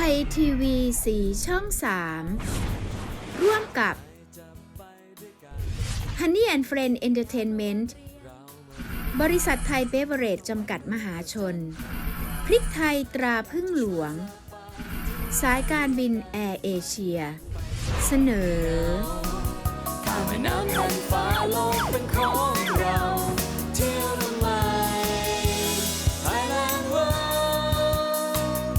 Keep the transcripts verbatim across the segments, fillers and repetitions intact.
ยทีวีสีช่องสามร่วมกับ Honey and Friend Entertainment บริษัทไทยเบเวอเรจจำกัดมหาชนพริกไทยตราพึ่งหลวงสายการบินแอร์เอเชียเสนอแม่น้ำแผ่นฟ้าโลกเป็นของเราเที่ยวทำไม Thailand World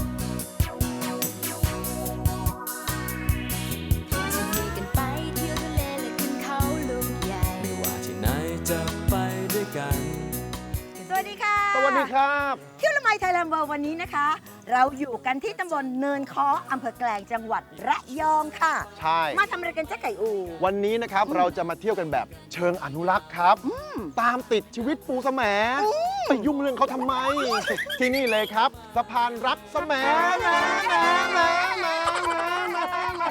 จะมีกันไปเที่ยวทะเลและขึ้นเขาลูกใหญ่ไม่ว่าที่ไหนจะไปด้วยกันสวัสดีค่ะสวัสดีครับเที่ยวละไมไทยแลนด์เวิลด์วันนี้นะคะ เราอยู่กันที่ตำบลเนินค้ออำเภอแกลงจังหวัดระยองค่ะใช่มาทำอะไรกันเจ๊ไก่อูวันนี้นะครับเราจะมาเที่ยวกันแบบเชิงอนุรักษ์ครับ ตามติดชีวิตปูสแหมไปยุ่งเรื่องเขาทำไม ที่นี่เลยครับสะพานรักสแหมแหมแหมแหมแหมแหมแหม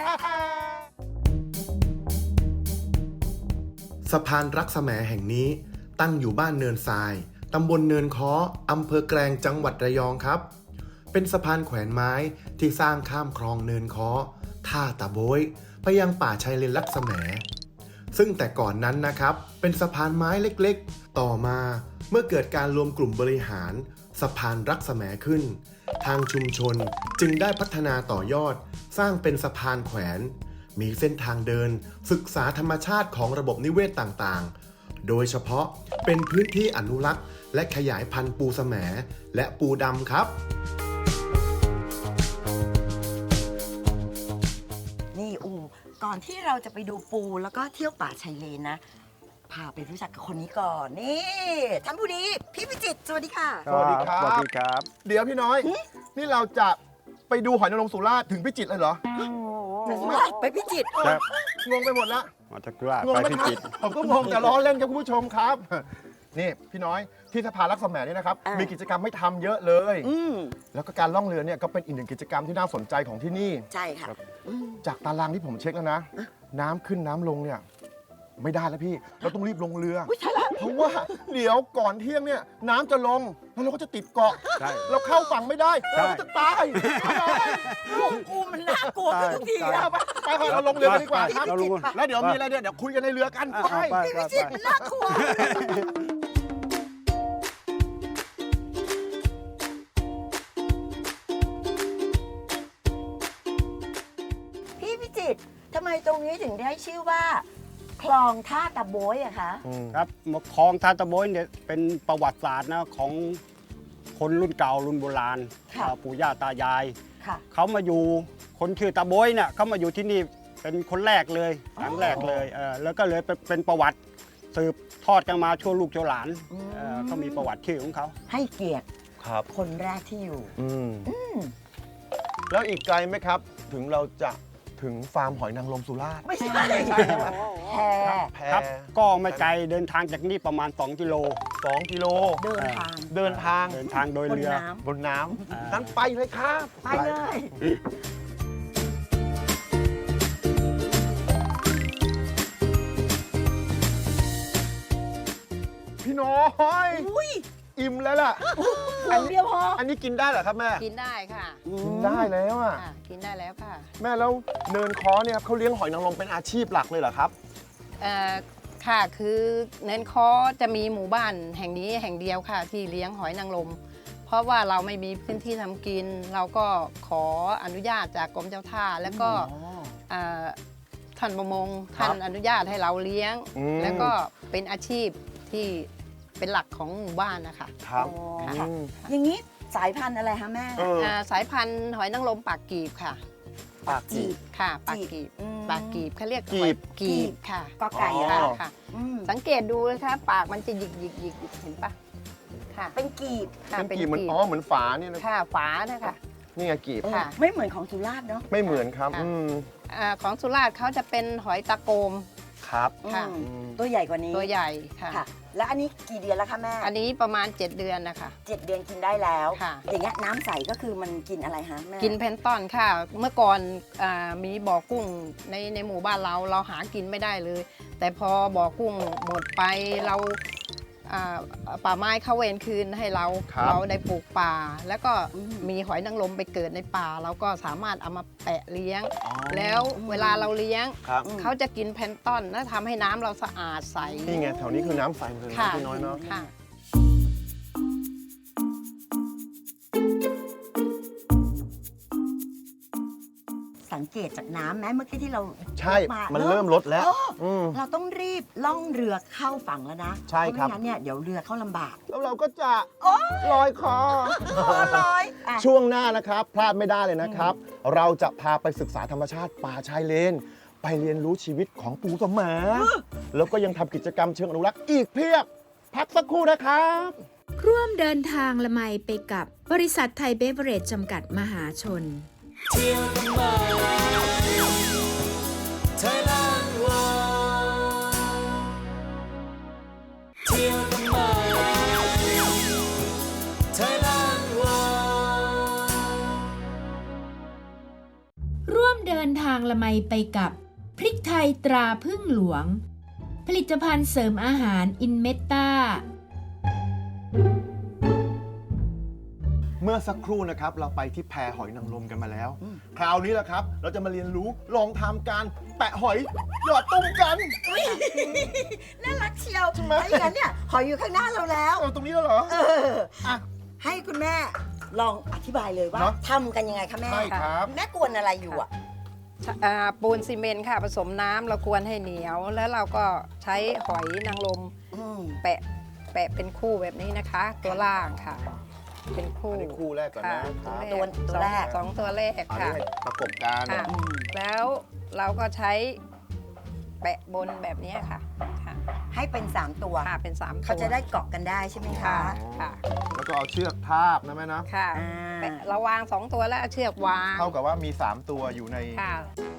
สะพานรักแสมแห่งนี้ตั้งอยู่บ้านเนินทรายตำบลเนินค้ออำเภอแกลงจังหวัดระยองครับเป็นสะพานแขวนไม้ที่สร้างข้ามคลองเนินค้อท่าตะโบยไปยังป่าชายเลนรักแสมซึ่งแต่ก่อนนั้นนะครับเป็นสะพานไม้เล็กๆต่อมาเมื่อเกิดการรวมกลุ่มบริหารสะพานรักแสมขึ้นทางชุมชนจึงได้พัฒนาต่อยอดสร้างเป็นสะพานแขวนมีเส้นทางเดินศึกษาธรรมชาติของระบบนิเวศต่างๆโดยเฉพาะเป็นพื้นที่อนุรักษ์และขยายพันธุ์ปูแสมและปูดำครับนี่อูก่อนที่เราจะไปดูปูแล้วก็เที่ยวป่าชายเลนนะพาไปรู้จักกับคนนี้ก่อนนี่ท่านผู้นี้พี่พิจิตรสวัสดีค่ะสวัสดีครับสวัสดีครับเดี๋ยวพี่น้อย นี่เราจะไปดูหอยนางรมสุราษฎร์ถึงพิจิตรเลยเหรอไปพิจิตรครับงงไปหมดละมาจากสุราษฎร์งงไปไหมพิครัจิบตรผมก็งงจะล้อเล่นกับคุณผู้ชมครับ นี่พี่น้อยที่สะพานรักแสมนี่นะครับอ่ามีมีกิจกรรมให้ทำเยอะเลยอืมแล้วก็การล่องเรือเนี่ยก็เป็นอีกหนึ่งกิจกรรมที่น่าสนใจของที่นี่ใช่ค่ะอืมจากตารางที่ผมเช็คแล้วนะ น้ำขึ้นน้ำลงเนี่ยไม่ได้แล้วพี่ เราต้องรีบลงเรือ เพราะว่าเดี๋ยวก่อนเที่ยงเนี่ยน้ำจะลงแล้วเราก็จะติดเกาะใช่เราเข้าฝั่งไม่ได้ใช่เราก็จะตายลูกกูมันน่ากลัวขึ้นทุกทีใช่แล้วไปไปไปเราลงเรือกันดีกว่าครับเราลงแล้วเดี๋ยวมีอะไรเนี่ยเดี๋ยวคุยกันในเรือกันอ่ะไปเอาไปพี่ไปพิจิตรมันน่ากลัวพี่พิจิตรทำไมตรงนี้ถึงได้ชื่อว่า คลองท่าตะโบยอะคะครับคลองทานตะโบยเนี่ยเป็นประวัติศาสตร์นะของคนรุ่นเก่ารุ่นโบราณค่ะอ่าปู่ย่าตายายค่ะเขามาอยู่คนชื่อตะโบยเนี่ยเขามาอยู่ที่นี่เป็นคนแรกเลยครั้งแรกเลยเออแล้วก็เลยเป็นเป็นประวัติสืบทอดกันมาชั่วลูกชั่วหลานอืมเออเขามีประวัติชื่อของเขาให้เกียรติครับคนแรกที่อยู่อืมแล้วอีกไกลไหมครับ ถึงเราจะถึงฟาร์มหอยนางรมสุราษฎร์ไม่ใช่แพแพครับก็ไม่ไกลเดินทางจากนี่ประมาณสองกิโลสองกิโลเดินทางเดินทางเดินทางโดยบนเรือน้บนน้อ่าำนั้นไปเลยครับำไปเลยพี่น้อยอุ้ยอิ่มแล้วล่ะอันเดียวพออันนี้กินได้เหรอครับแม่กินได้ค่ะกินได้แล้วอ่ะค่ะ กินได้แล้วค่ะแม่แล้วเนินค้อเนี่ยครับเขาเลี้ยงหอยนางรมเป็นอาชีพหลักเลยเหรอครับเอ่อ ค่ะ คือเนินคอจะมีหมู่บ้านแห่งนี้แห่งเดียวค่ะ ที่เลี้ยงหอยนางรม เพราะว่าเราไม่มีพื้นที่ทำกิน เราก็ขออนุญาตจากกรมเจ้าท่า แล้วก็เอ่อท่านประมงครับท่านอนุญาตให้เราเลี้ยงอืมแล้วก็เป็นอาชีพที่เป็นหลักของหมู่บ้านนะคะครับอ๋อค่ะค่ะอืมอย่างนี้สายพันธุ์อะไรคะแม่เอออ่าสายพันธุ์หอยนางรมปากกีบค่ะปากจีบค่ะ ปากกีบอืมปากกีบเขาเรียกกีบหอยกีบค่ะก็ไก่อ๋ออะค่ะค่ะอืมสังเกตดูนะคะปากมันจะหยิกหยิกหยิกหยิกเห็นปะค่ะเป็นกีบค่ะเป็นกีบเหมือนอ๋อเหมือนฝาเนี่ยนะค่ะฝานะคะนี่ไงกีบเออค่ะไม่เหมือนของสุราษฎร์เนาะไม่เหมือนครับค่ะอืมอ่าของสุราษฎร์เขาจะเป็นหอยตะโกมครับค่ะอืมอืมตัวใหญ่กว่านี้ตัวใหญ่ค่ะค่ะ แล้วอันนี้กี่เดือนแล้วคะแม่อันนี้ประมาณเจ็ดเดือนนะคะเจ็ดเดือนกินได้แล้วค่ะอย่างเงี้ยน้ำใสก็คือมันกินอะไรฮะแม่กินเพนตอนค่ะ เมื่อก่อนอามีบ่อกุ้งในในหมู่บ้านเราเราหากินไม่ได้เลย แต่พอบ่อกุ้งหมดไปเราอ่าป่าไม้เข้าเวรคืนให้เราครับเราได้ปลูกป่า แล้วก็อืมมีหอยนางรมไปเกิดในป่า เราก็สามารถเอามาแปะเลี้ยงอ๋อแล้วเวลาเราเลี้ยงครับเขาจะกินแพลนต้อนและทำให้น้ำเราสะอาดใสนี่ไงแถวนี้คือน้ำใสหมดเลยนะค่ะพี่น้อยเนาะค่ะสังเกตจากน้ำไหมเมื่อกี้ที่เราใช่ามันเริ่มลดแล้วเอออืมเราต้องรีบล่องเรือเข้าฝั่งแล้วนะใช่ครับเพาะไม่งั้นเนี่ยเดี๋ยวเรือเข้าลำบากแล้วเราก็จะลอยคอพอลอยอ่ะช่วงหน้านะครับ พลาดไม่ได้เลยนะครับ เราจะพาไปศึกษาธรรมชาติป่าชายเลน ไปเรียนรู้ชีวิตของปูสมแล้วก็ยังทำกิจกรรมเชิงอนุรักษ์อีกเพียบ พักสักครู่นะครับร่วมเดินทางละไมไปกับบริษัทไทยเบเวอเรจจำกัดมหาชนเที่ยวกันมาไทยแลนด์วอเที่ยวกันมาไทยแลนด์วอร่วมเดินทางละไมไปกับพริกไทยตราพึ่งหลวง ผลิตภัณฑ์เสริมอาหารอินเมตตาเมื่อสักครู่นะครับ เราไปที่แพหอยนางรมกันมาแล้ว คราวนี้แหละครับ เราจะมาเรียนรู้ลองทำการแปะหอยหยอดตุ้มกันน่ารักเชียวใช่ไหมถ้าอย่างนั้นเนี่ยหอยอยู่ข้างหน้าเราแล้วเอาตรงนี้แล้วเหรอเอออ่ะให้คุณแม่ลองอธิบายเลยว่าเนอะทำกันยังไงคะแม่ใช่ครับแม่กวนอะไรอยู่อ่ะอ่าปูนซีเมนต์ค่ะผสมน้ำเรากวนให้เหนียว แล้วเราก็ใช้หอยนางรมอืมแปะแปะเป็นคู่แบบนี้นะคะ ตัวล่างค่ะ เป็นคู่อันนี้คู่แรกก่อนค่ะนะครับตัวตัวแรกสองสองตัวแรกอันนี้ค่ะให้ประกบกันค่ะ แล้วเราก็ใช้แปะบนแบบนี้ค่ะค่ะให้เป็น 3 ตัวค่ะเป็นสามตัวเขาจะได้เกาะกันได้ใช่ไหมค่ะคะค่ะแล้วก็เอาเชือกทาบนะแม่นะค่ะอ่าแปะเราวางสองตัวแล้วเอาเชือกวางเท่ากับว่ามี สาม ตัวอยู่ในค่ะ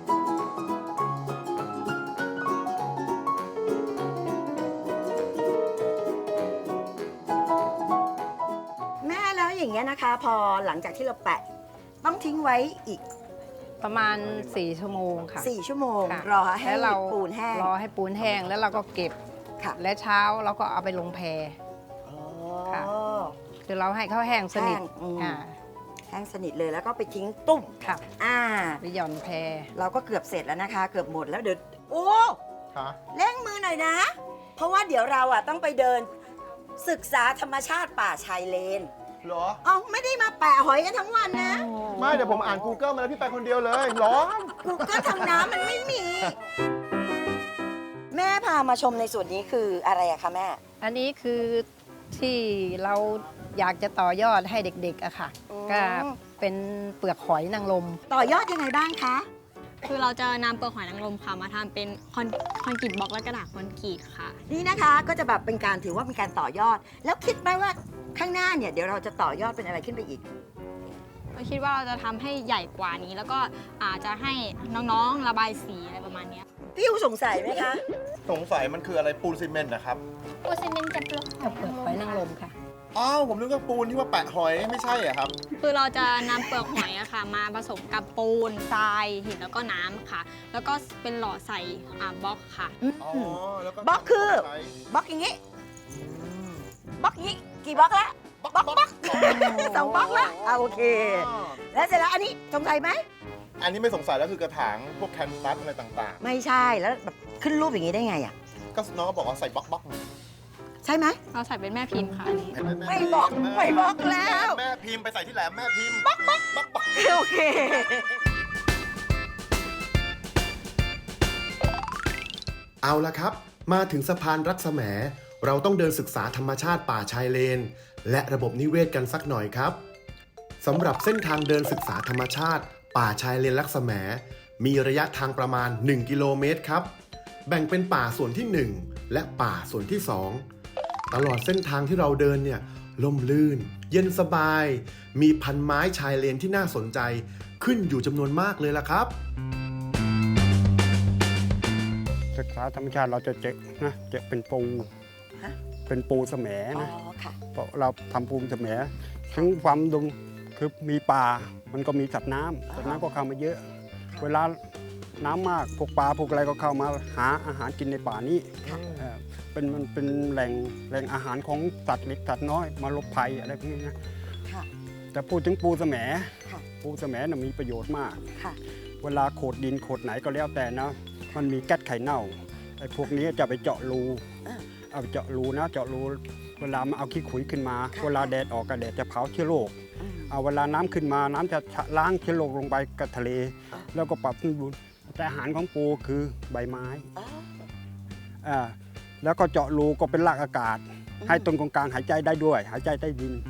แม่แล้วอย่างเงี้ยนะคะ พอหลังจากที่เราแปะ ต้องทิ้งไว้อีกประมาณสี่ชั่วโมงค่ะ 4 ชั่วโมงค่ะรอให้แล้วเราปูนแห้งรอให้ปูนแห้งแล้วเราก็เก็บค่ะและเช้าเราก็เอาไปลงแพอ๋อค่ะ คือเราให้เขาแห้งสนิทแห้งอืมอ่าแห้งสนิทเลยแล้วก็ไปทิ้งตุ้มค่ะอ่าไปหย่อนแพเราก็เกือบเสร็จแล้วนะคะ เกือบหมดแล้วเดี๋ยวโอ้ค่ะเร่งมือหน่อยนะ เพราะว่าเดี๋ยวเราอ่ะต้องไปเดินศึกษาธรรมชาติป่าชายเลนเหรอเอ้าไม่ได้มาแปะหอยกันทั้งวันนะไม่เดี๋ยวผมอ่าน Google มาแล้วพี่ไปคนเดียวเลยร้อนกูก็ทำน้ำมันไม่มี แม่พามาชมในส่วนนี้คืออะไรอะคะแม่อันนี้คือที่เราอยากจะต่อยอดให้เด็กๆอะค่ะอืมก็เป็นเปลือกหอยนางรมต่อยอดยังไงบ้างคะคือเราจะนำเปลือกหอยนางรมค่ะมาทำเป็นคอนคอนกรีตบล็อกและกระดาษคอนกรีตค่ะนี่นะคะก็จะแบบเป็นการถือว่าเป็นการต่อยอด แล้วคิดไหมว่าข้างหน้าเนี่ยเดี๋ยวเราจะต่อยอดเป็นอะไรขึ้นไปอีกเราคิดว่าเราจะทำให้ใหญ่กว่านี้ แล้วก็อาจจะให้น้องๆระบายสีอะไรประมาณเนี้ยพี่ยูสงสัยไหมคะสงสัยมันคืออะไรปูนซีเมนต์นะครับปูซีเมนต์จะเปลือกกับเปลือกหอยนางรมค่ะอ้าวผมนึกว่าปูนที่ว่าแปะหอยไม่ใช่เหรอครับคือเราจะนำเปลือกหอยอะค่ะ มาผสมกับปูนทรายหินแล้วก็น้ำค่ะ แล้วก็เป็นหล่อใส่อ่าบล็อกค่ะอ๋อ แล้วก็บล็อกคือใช้บล็อกอย่างนี้บล็อกอย่างนี้กี่บล็อกละบล็อกบล็อกสองบล็อกละอ่ะโอเค แล้วเสร็จแล้วอันนี้สงสัยไหมอันนี้ไม่สงสัยแล้วคือกระถางพวกแคนฟัสอะไรต่างไม่ใช่แล้วแบบขึ้นรูปอย่างนี้ได้ไงอ่ะๆ ก็น้องก็บอกว่าใส่บล็อกบล็อกใช่ไหมเราใส่เป็นแม่พิมพ์ค่ะอันนี้ไม่บอกไม่บอกแล้วแม่พิมพ์ไปใส่ที่แหลมแม่พิมพ์บล็อกบล็อกบล็อกบล็อกโอเคเอาละครับ มาถึงสะพานรักแสมเราต้องเดินศึกษาธรรมชาติป่าชายเลน และระบบนิเวศกันสักหน่อยครับสำหรับเส้นทางเดินศึกษาธรรมชาติ ป่าชายเลนรักแสมมีระยะทางประมาณ หนึ่ง กิโลเมตรครับ แบ่งเป็นป่าส่วนที่ หนึ่ง และป่าส่วนที่ สอง ตลอดเส้นทางที่เราเดินเนี่ยล่มลื่น เย็นสบาย มีพันไม้ชายเลนที่น่าสนใจขึ้นอยู่จำนวนมากเลยล่ะครับศึกษาธรรมชาติเราจะเจอนะเจอเป็นปูฮะเป็นปูแสมอ๋อนะค่ะเพราะเราทำปูแสมทั้งความดุงคือมีป่ามันก็มีสัตว์น้ำสัตว์น้ำก็เข้ามาเยอะ เวลาน้ำมากพวกปลาพวกอะไรก็เข้ามาหาอาหารกินในป่านี้เอ่อเป็นมันเป็นแหล่งแหล่งอาหารของสัตว์เล็กสัตว์น้อยมาหลบภัยอะไรพวกนี้นะค่ะแต่พูดถึงปูแสมค่ะปูแสมน่ะมีประโยชน์มากค่ะเวลาโขดดินโขดไหนก็แล้วแต่นะ มันมีแก๊สไข่เน่าไอ้พวกนี้จะไปเจาะรูอ่าเอาไปเจาะรูนะเจาะรูเวลามาเอาขี้ขุยขึ้นมาค่ะเวลาแดดออกก็แดดจะเผาเชื้อโรคอืมเอาเวลาน้ำขึ้นมาน้ำจะล้างเชื้อโรคลงไปกับทะเลอ่าแล้วก็ปรับสมดุลแต่อาหารของปูคือใบไม้อ๋ออ่าแล้วก็เจาะรูก็เป็นรากอากาศอืมให้ต้นกงกลางหายใจได้ด้วย หายใจใต้ดิน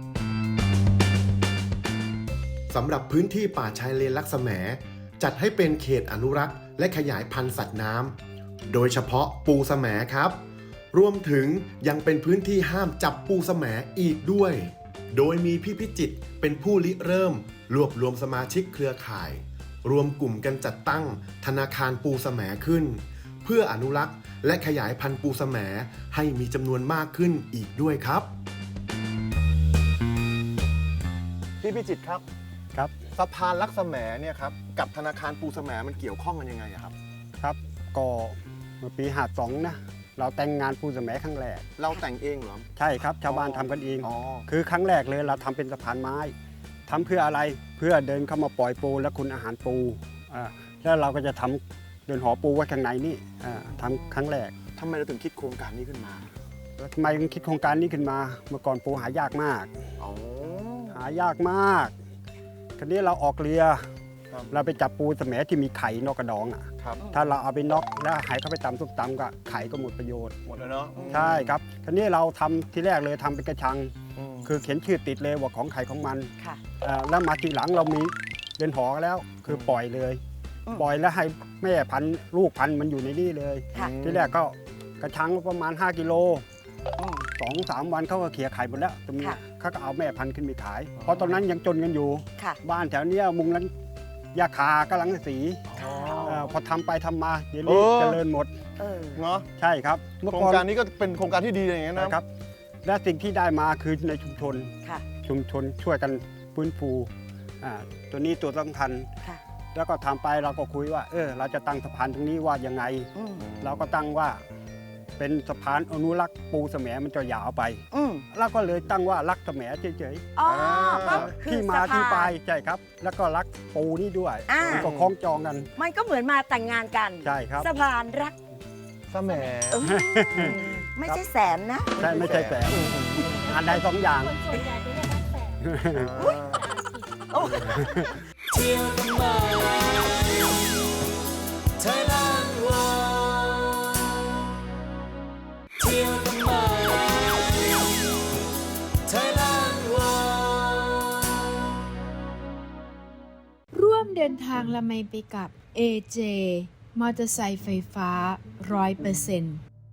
สำหรับพื้นที่ป่าชายเลนลักษแหมจัดให้เป็นเขตอนุรักษ์และขยายพันธุ์สัตว์น้ำโดยเฉพาะปูแสมครับ รวมถึงยังเป็นพื้นที่ห้ามจับปูแสมอีกด้วย โดยมีพี่พิจิตรเป็นผู้ริเริ่ม รวบรวมสมาชิกเครือข่าย รวมกลุ่มกันจัดตั้งธนาคารปูแสมขึ้น เพื่ออนุรักษ์และขยายพันธุ์ปูแสมให้มีจำนวนมากขึ้นอีกด้วยครับพี่พิจิตรครับครับสะพานลักษแหมเนี่ยครับกับธนาคารปูแสมมันเกี่ยวข้องกันยังไงอะครับครับก็เมื่อปีห้าสองนะเราแต่งงานปูแสมครั้งแรกเราแต่งเองเหรอใช่ครับชาวบ้านทำกันเองอ๋อคือครั้งแรกเลยเราทำเป็นสะพานไม้ทำเพื่ออะไรเพื่อเดินเข้ามาปล่อยปูและคุณอาหารปูอ่าแล้วเราก็จะทำเดินหอปูไว้ข้างในนี่อ่าทำครั้งแรกทำไมเราถึงคิดโครงการนี้ขึ้นมาแล้วทำไมถึงคิดโครงการนี้ขึ้นมา เมื่อก่อนปูหายากมากอ๋อหายากมากคราวนี้เราออกเรือครับเราไปจับปูแสมที่มีไข่นอกกระดองอ่ะครับถ้าเราเอาไปน็อกแล้วหายเข้าไปตำซุปตำก็ไข่ก็หมดประโยชน์หมดแล้วเนาะใช่ครับคราวนี้เราทำที่แรกเลยทำเป็นกระชังอืมคือเขียนชื่อติดเลยว่าของใครของมันค่ะเอ่อแล้วมาทีหลังเรามีเดินหอแล้ว คือปล่อยเลยอืมปล่อยแล้วให้แม่พันธุ์ลูกพันธุ์มันอยู่ในนี่เลยค่ะที่แรกก็กระชังประมาณห้ากิโลอืมสองสามวันเขาก็เขี่ยไข่หมดแล้วตรงนี้ค่ะเขาก็เอาแม่พันธุ์ขึ้นไปขาย เพราะตอนนั้นยังจนกันอยู่ค่ะบ้านแถวเนี้ยมุงนั้นยาคากำลังสีอ๋อเอ่อพอทำไปทำมาเดี๋ยวนี้เออเจริญหมดเออเนาะใช่ครับเมื่อโครก่งอนการนี้ก็เป็นโครงการที่ดีอย่างเงี้ยนะนะครับ และสิ่งที่ได้มาคือในชุมชนค่ะชุมชนช่วยกันฟื้นฟูอ่าตัวนี้ตัวสำคัญค่ะแล้วก็ทำไปเราก็คุยว่า เออ เราจะตั้งสะพานตรงนี้ว่ายังไงอืมเราก็ตั้งว่า เป็นสะพานอนุรักษ์ปูแสมมันจะยาวไปอืมเราก็เลยตั้งว่ารักแสมเฉยอ๋อก็ๆคือที่มาสะพนที่ไปใช่ครับ แล้วก็รักปูนี่ด้วยอ่ามัมันก็คล้องจองกันมันก็เหมือนมาแต่งงานกันใช่ครับสะพานรักแสมเออไม่ใช่แสนนะใช่ไม่ใช่แสนอันใดสองอย่างเที่ยวกันมาไทยแลนด์วอเที่ยวกันมาไทยแลนด์วอร่วมเดินทางละไมไปกับ เอ เจ มอเตอร์ไซค์ไฟฟ้า ร้อยเปอร์เซ็นต์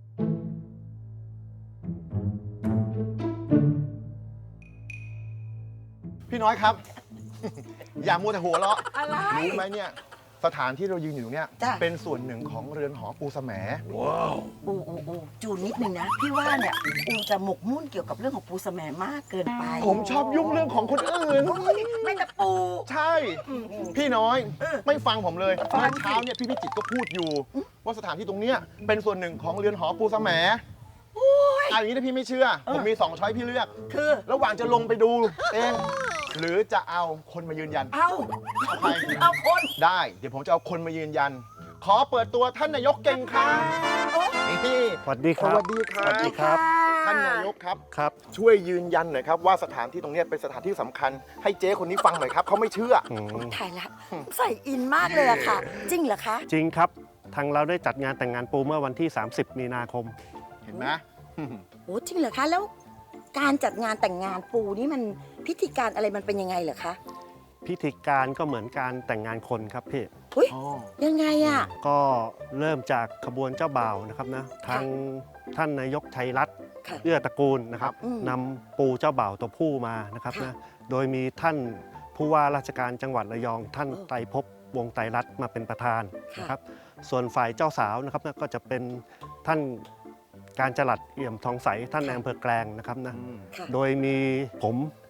พี่น้อยครับ อย่ามัวแต่หัวเราะอะไรรู้ไหมเนี่ย สถานที่เรายืนอยู่ตรงเนี้ยจ้ะเป็นส่วนหนึ่งของเรือนหอปูแสมอูอูอูจูนนิดนึงนะ พี่ว่าเนี่ยอูจะหมกมุ่นเกี่ยวกับเรื่องของปูแสมมากเกินไปผมชอบยุ่งเรื่องของคนอื่นโอ้ยไม่แต่ปูใช่ พี่น้อยเออไม่ฟังผมเลยฟังเมื่อเช้าเนี่ยพี่พิจิตรก็พูดอยู่ ว่าสถานที่ตรงเนี้ยเป็นส่วนหนึ่งของเรือนหอปูแสมเอาอย่างนี้ถ้าพี่ไม่เชื่อ ผมมีสองช้อยพี่เลือกคือระหว่างจะลงไปดูเอง หรือจะเอาคนมายืนยันเอาเอาใครเอาคนได้ เดี๋ยวผมจะเอาคนมายืนยัน ขอเปิดตัวท่านนายกเก่งครับนี่สวัสดีครับสวัสดีครับสวัสดีครับท่านนายกครับครับช่วยยืนยันหน่อยครับว่าสถานที่ตรงเนี้ยเป็นสถานที่สำคัญ ให้เจ๊คนนี้ฟังหน่อยครับเขาไม่เชื่ออืมถ่ายละใส่อินมากเลยอะค่ะ จริงเหรอคะจริงครับ ทางเราได้จัดงานแต่งงานปูเมื่อวันที่ สามสิบ มีนาคมเห็นไหมโอ้จริงเหรอคะ แล้วการจัดงานแต่งงานปูนี่มันพิธีการอะไรมันเป็นยังไงเหรอคะพิธีการก็เหมือนการแต่งงานคนครับพี่อุ้ยอ๋อยังไงอะก็เริ่มจากขบวนเจ้าบ่าวนะครับนะ ทางท่านนายกชัยรัตน์ค่ะเอื้อตระกูลนะครับอืมนำปูเจ้าบ่าวตัวผู้มานะครับค่ะนะ โดยมีท่านผู้ว่าราชการจังหวัดระยอง ท่านเออไตรภพวงศ์ไตรรัตน์มาเป็นประธานค่ะนะครับ ส่วนฝ่ายเจ้าสาวนะครับนะก็จะเป็นท่านการจรัสเอี่ยมทองใสท่านในอำเภอแกลงนะครับนะอืมค่ะโดยมีผม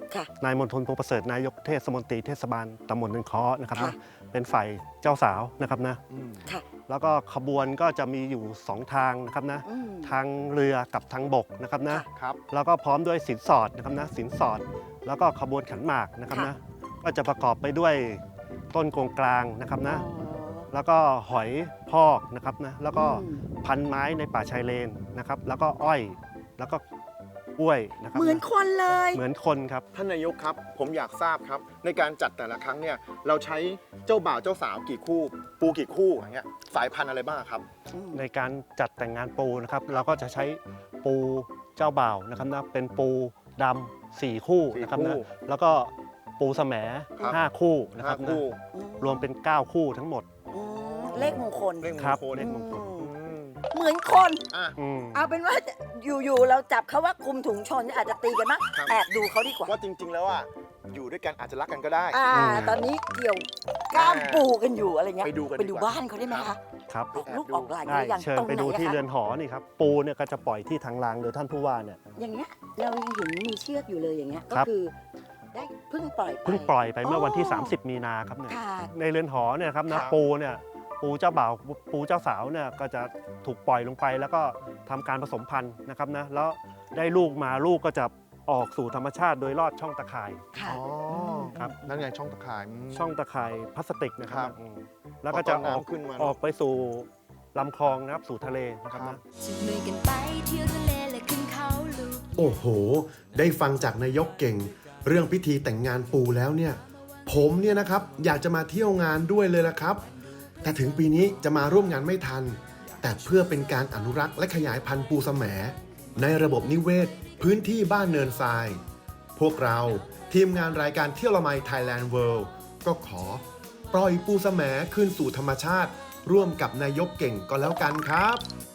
ค่ะนายมณฑลพงษ์ประเสริฐนายกเทศมนตรีเทศบาลตำบลเนินค้อนะครับค่ะนะเป็นฝ่ายเจ้าสาวนะครับนะอืมค่ะแล้วก็ขบวนก็จะมีอยู่สองทางนะครับนะอืมทางเรือกับทางบกนะครับนะครับแล้วก็พร้อมด้วยสินสอดนะครับนะสินสอด แล้วก็ขบวนขันหมากนะครับค่ะนะก็จะประกอบไปด้วยต้นกงกลางนะครับนะอ๋อแล้วก็หอยพอกนะครับนะแล้วก็อืมพันไม้ในป่าชายเลนนะครับ แล้วก็อ้อยแล้วก็กล้วยนะครับเหมือนคนเลยเหมือนคนครับท่านนายกครับ ผมอยากทราบครับ ในการจัดแต่ละครั้งเนี่ยเราใช้เจ้าบ่าวเจ้าสาวกี่คู่ ปูกี่คู่อย่างเงี้ยสายพันธุ์อะไรบ้างครับในการจัดแต่งงานปูนะครับ เราก็จะใช้ปูเจ้าบ่าวนะครับนะเป็นปูดำสี่คู่สี่นะครับคู่นะแล้วก็ปูแสมครับห้าคู่นะคห้ารับนะคู่รวมเป็นเก้าคู่ทั้งหมดอืมเลขมงคลเลขมครังบคลเลขมงคลอืมอืมเหมือนคนอ่ะอืมเอาเป็นว่าอยู่ๆเราจับเขาว่าคุมถุงชนอาจจะตีกันมั้งครับแอบดูเขาดีกว่าว่าจริง ๆ แล้วอ่ะอยู่ด้วยกันอาจจะรักกันก็ได้อ่า ตอนนี้เกี่ยวกล้ามปูกันอยู่อะไรเงี้ยไปดูกันไปดูดีกว่าบ้านเขาได้ไหมคะครับออกลูกออกหลานได้หรือยังเชิญตรงไปไหนดูอะที่คะเรือนหอนี่ครับปูเนี่ยก็จะปล่อยที่ทางรางโดยท่านผู้ว่าเนี่ยอย่างเงี้ยเรายังเห็นมีเชือกอยู่เลยอย่างเงี้ยก็ครับคือได้เพิ่งปล่อยไปเพิ่งปล่อยไปเมื่อวันที่อ๋อสามสิบ มีนาครับเนี่ยค่ะในเรือนหอเนี่ยครับคนะรับปูเนี่ยปูเจ้าบ่าวปูเจ้าสาวเนี่ยก็จะถูกปล่อยลงไป แล้วก็ทำการผสมพันธุ์นะครับนะแล้วได้ลูกมาลูกก็จะออกสู่ธรรมชาติโดยลอดช่องตะข่ายค่ะอ๋อครับนั่นไงช่องตะข่ายมช่องตะข่ายพลาสติกนะคครัรับบ อืมแล้วก็จะออกพอต้นน้ำขึ้นมาออกไปสู่ลำคลองนะครับสู่ทะเลนะครับครันะบจับมือกันไปเที่ยวทะเลและขึ้นเขาลูกโอ้โห ได้ฟังจากนายกเก่ง เรื่องพิธีแต่งงานปูแล้วเนี่ย ผมเนี่ยนะครับอยากจะมาเที่ยวงานด้วยเลยละครับ แต่ถึงปีนี้จะมาร่วมงานไม่ทัน แต่เพื่อเป็นการอนุรักษ์และขยายพันธุ์ปูแสมในระบบนิเวศ พื้นที่บ้านเนินทราย พวกเราทีมงานรายการเที่ยวละไม Thailand World ก็ขอ ปล่อยปูแสมคืนสู่ธรรมชาติ ร่วมกับนายกเก่งก็แล้วกันครับ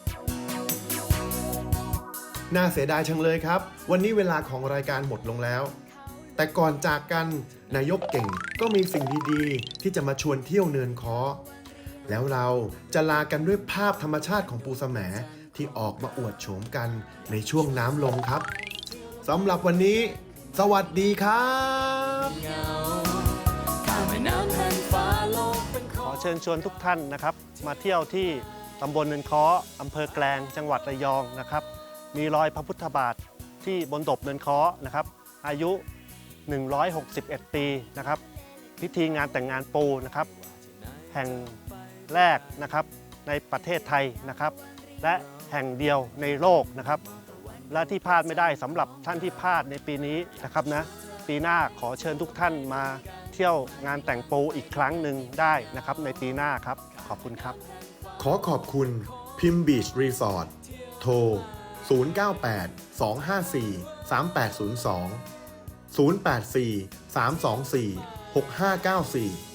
น่าเสียดายชังเลยครับ วันนี้เวลาของรายการหมดลงแล้ว แต่ก่อนจากกันนายกเก่งก็มีสิ่งดีๆ ที่จะมาชวนเที่ยวเนินค้อ แล้วเราจะลากันด้วยภาพธรรมชาติของปูแสมที่ออกมาอวดโฉมกันในช่วงน้ำลงครับสำหรับวันนี้ สวัสดีครับข้ามแม่น้ำแผ่านฟ้าโลกเป็นขขออง เชิญชวนทุกท่านนะครับ มาเที่ยวที่ตำบลเนินค้ออำเภอแกลงจังหวัดระยองนะครับ มีรอยพระพุทธบาทที่บนดบเนินค้อนะครับ อายุ หนึ่งร้อยหกสิบเอ็ด ปีนะครับ พิธีงานแต่งงานปูนะครับ แห่งแรกนะครับในประเทศไทยนะครับ และแห่งเดียวในโลกนะครับ และที่พลาดไม่ได้สำหรับท่านที่พลาดในปีนี้นะครับนะปีหน้าขอเชิญทุกท่านมาเที่ยวงานแต่งปูอีกครั้งหนึ่งได้นะครับในปีหน้าครับขอบคุณครับขอขอบคุณพิมบีชรีสอร์ทโทร ศูนย์ เก้า แปด สอง ห้า สี่ สาม แปด ศูนย์ สอง ศูนย์ แปด สี่ สาม สอง สี่ หก ห้า เก้า สี่